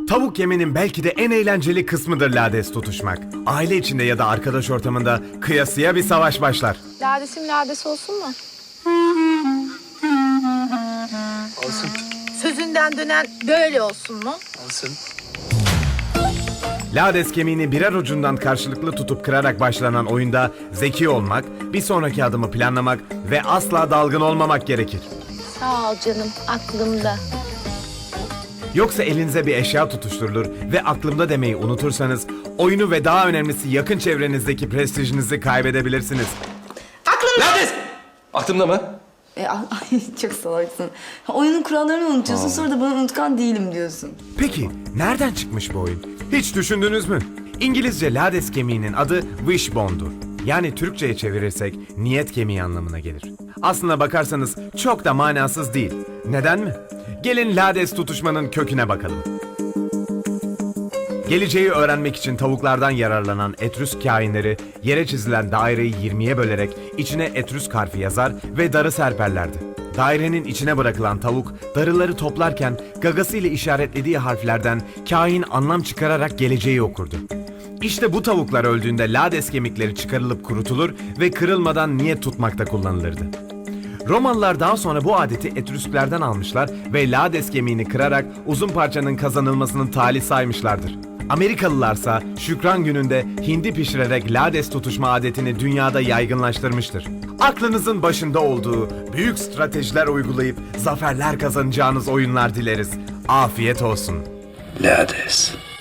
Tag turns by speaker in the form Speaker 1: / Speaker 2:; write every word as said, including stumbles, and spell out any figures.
Speaker 1: Tavuk yemenin belki de en eğlenceli kısmıdır lades tutuşmak. Aile içinde ya da arkadaş ortamında kıyasıya bir savaş başlar.
Speaker 2: Ladesim lades olsun mu?
Speaker 3: Olsun.
Speaker 2: Sözünden dönen böyle olsun mu?
Speaker 3: Olsun.
Speaker 1: Lades kemiğini birer ucundan karşılıklı tutup kırarak başlanan oyunda zeki olmak, bir sonraki adımı planlamak ve asla dalgın olmamak gerekir.
Speaker 2: Sağ ol canım, aklımda.
Speaker 1: Yoksa elinize bir eşya tutuşturulur ve aklımda demeyi unutursanız oyunu ve daha önemlisi yakın çevrenizdeki prestijinizi kaybedebilirsiniz.
Speaker 2: Aklımda!
Speaker 3: Lades! Aklımda mı?
Speaker 4: E, ay, çok salaksın. Oyunun kurallarını unutuyorsun, sonra da bana unutkan değilim diyorsun.
Speaker 1: Peki nereden çıkmış bu oyun? Hiç düşündünüz mü? İngilizce lades kemiğinin adı wishbone'dur. Yani Türkçe'ye çevirirsek niyet kemiği anlamına gelir. Aslına bakarsanız çok da manasız değil. Neden mi? Gelin lades tutuşmanın köküne bakalım. Geleceği öğrenmek için tavuklardan yararlanan Etrüsk kâhinleri yere çizilen daireyi yirmiye bölerek içine Etrüsk harfi yazar ve darı serperlerdi. Dairenin içine bırakılan tavuk darıları toplarken gagasıyla işaretlediği harflerden kâhin anlam çıkararak geleceği okurdu. İşte bu tavuklar öldüğünde lades kemikleri çıkarılıp kurutulur ve kırılmadan niyet tutmakta kullanılırdı. Romalılar daha sonra bu adeti Etrüsklerden almışlar ve lades kemiğini kırarak uzun parçanın kazanılmasının talih saymışlardır. Amerikalılarsa Şükran Günü'nde hindi pişirerek lades tutuşma adetini dünyada yaygınlaştırmıştır. Aklınızın başında olduğu büyük stratejiler uygulayıp zaferler kazanacağınız oyunlar dileriz. Afiyet olsun.
Speaker 3: Lades.